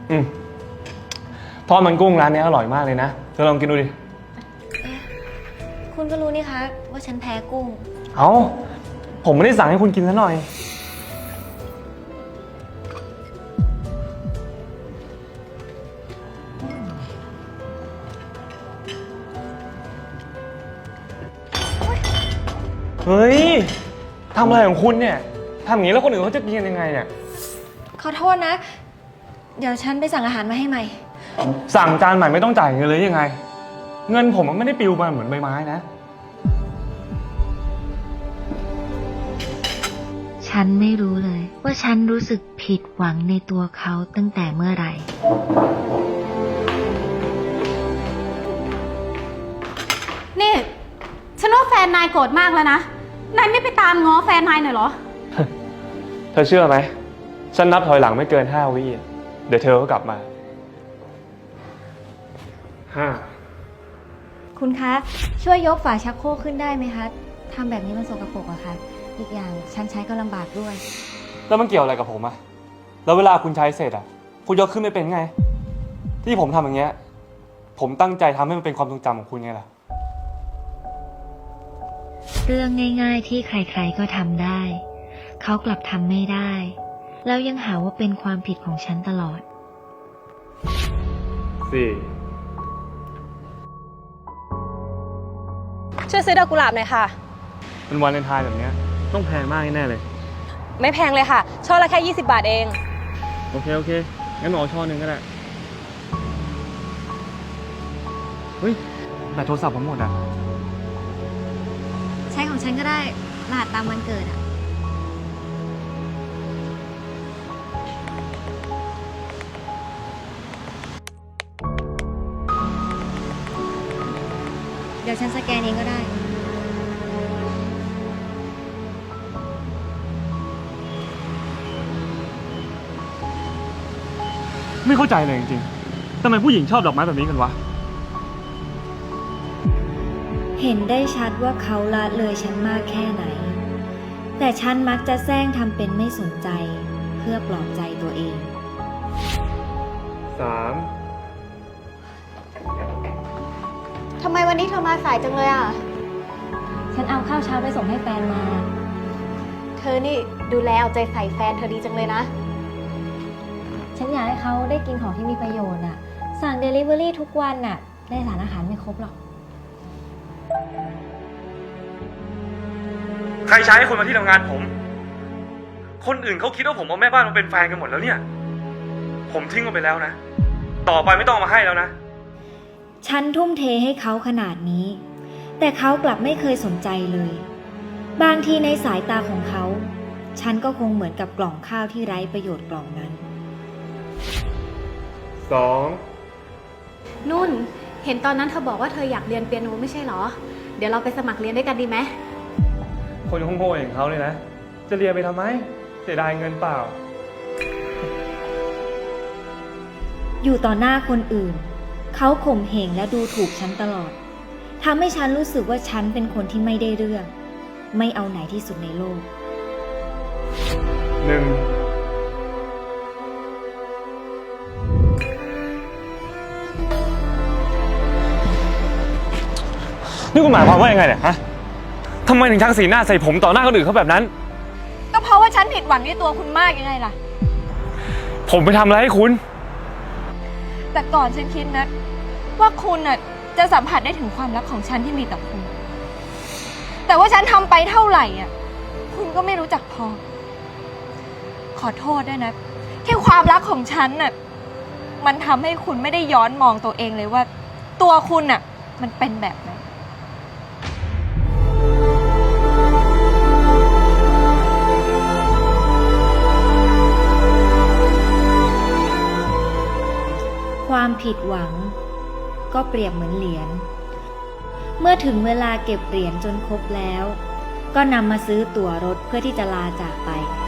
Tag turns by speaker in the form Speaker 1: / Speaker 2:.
Speaker 1: อืมทอดมันกุ้งร้านนี้อร่อยมากเลยนะเธอลองกินดูดิ
Speaker 2: คุณก็รู้นี่คะว่าฉันแพ้กุ้ง
Speaker 1: เอ้าผมไม่ได้สั่งให้คุณกินซะหน่อยเฮ้ยทำอะไรของคุณเนี่ยทำอย่างนี้แล้วคนอื่นเขาจะกินกันยังไงเนี่ย
Speaker 2: ขอโทษนะ เดี๋ยวฉันไปสั่งอาหารมาให้ใหม่
Speaker 1: สั่งจานใหม่ไม่ต้องจ่ายเงินเลยยังไงเงินผมมันไม่ได้ปลิวมาเหมือนใบไม้นะ
Speaker 3: ฉันไม่รู้เลยว่าฉันรู้สึกผิดหวังในตัวเขาตั้งแต่เมื่อไหร่
Speaker 4: นี่ฉันว่าแฟนนายโกรธมากแล้วนะนายไม่ไปตามง้อแฟนนายหน่อยเหรอ
Speaker 1: เธอเชื่อไหมฉันนับถอยหลังไม่เกิน5 วิเดี๋ยวเธอก็กลับมา5
Speaker 2: คุณคะช่วยยกฝาชักโครกขึ้นได้ไหมคะทำแบบนี้มันสกปรกอะค่ะอีกอย่างฉันใช้ก็ลำบากด้วย
Speaker 1: แล้วมันเกี่ยวอะไรกับผมอะแล้วเวลาคุณใช้เสร็จอะคุณยกขึ้นไม่เป็นไงที่ผมทำอย่างเงี้ยผมตั้งใจทำให้มันเป็นความทรงจำของคุณไงล่ะ
Speaker 3: เรื่องง่ายๆที่ใครๆก็ทำได้เขากลับทำไม่ได้แล้วยังหาว่าเป็นความผิดของฉันตลอด
Speaker 5: ช่วยซื้อดอกกุหลาบหน่อยค่ะ
Speaker 1: เป็นวันเลนไทน์แบบนี้ต้องแพงมากแน่เลย
Speaker 5: ไม่แพงเลยค่ะช่อละแค่20 บาทเอง
Speaker 1: โอเคงั้นเอาช่อหนึ่งก็ได้เฮ้ยแต่โทรศัพท์ผมหมดอ่ะ
Speaker 2: ใช้ของฉันก็ได้รหัสตามวันเกิดอะเดี๋ยวฉันสแกนเองก็ได้
Speaker 1: ไม่เข้าใจเลยจริงๆทำไมผู้หญิงชอบดอกไม้แบบนี้กันวะ
Speaker 3: เห็นได้ชัดว่าเขาละเลยฉันมากแค่ไหนแต่ฉันมักจะแซงทำเป็นไม่สนใจเพื่อปลอบใจตัวเอง
Speaker 1: 3
Speaker 2: ทำไมวันนี้เธอมาสายจังเลยอ่ะ
Speaker 3: ฉันเอาข้าวเช้าไปส่งให้แฟนมา
Speaker 2: เธอนี่ดูแลเอาใจใส่แฟนเธอดีจังเลยนะฉันอยากให้เขาได้กินของที่มีประโยชน์อ่ะสั่ง Delivery ทุกวันน่ะได้สารอาหารไม่ครบหรอก
Speaker 1: ใครใช้ให้คนมาที่ทำงานผมคนอื่นเขาคิดว่าผมเอาแม่บ้านมาเป็นแฟนกันหมดแล้วเนี่ยผมทิ้งมันไปแล้วนะต่อไปไม่ต้องมาให้แล้วนะ
Speaker 3: ฉันทุ่มเทให้เขาขนาดนี้แต่เขากลับไม่เคยสนใจเลยบางทีในสายตาของเขาฉันก็คงเหมือนกับกล่องข้าวที่ไร้ประโยชน์กล่องนั้น
Speaker 1: 2
Speaker 4: นุ่นเห็นตอนนั้นเธอบอกว่าเธออยากเรียนเปียโนไม่ใช่เหรอเดี๋ยวเราไปสมัครเรียนด้วยกันดีไหม
Speaker 1: คนโง่ๆอย่างเขาเลยนะจะเรียนไปทำไมเสียดายเงินเปล่า
Speaker 3: อยู่ต่อหน้าคนอื่นเขาข่มเหงและดูถูกฉันตลอดทำให้ฉันรู้สึกว่าฉันเป็นคนที่ไม่ได้เรื่องไม่เอาไหนที่สุดในโลก
Speaker 1: นี่คุณหมายความว่ายังไงเนี่ยฮะทำไมถึงชักสีหน้าใส่ผมต่อหน้าคนอื่นเขาแบบนั้น
Speaker 2: ก็เพราะว่าฉันผิดหวังในตัวคุณมากยังไงล่ะ
Speaker 1: ผมไปทำอะไรให้คุณ
Speaker 2: แต่ก่อนฉันคิดนะว่าคุณน่ะจะสัมผัสได้ถึงความรักของฉันที่มีต่อคุณแต่ว่าฉันทำไปเท่าไหร่อ่ะคุณก็ไม่รู้จักพอขอโทษด้วยนะที่ความรักของฉันน่ะมันทำให้คุณไม่ได้ย้อนมองตัวเองเลยว่าตัวคุณน่ะมันเป็นแบบไหน
Speaker 3: ความผิดหวังก็เปรียบเหมือนเหรียญเมื่อถึงเวลาเก็บเหรียญจนครบแล้วก็นำมาซื้อตั๋วรถเพื่อที่จะลาจากไป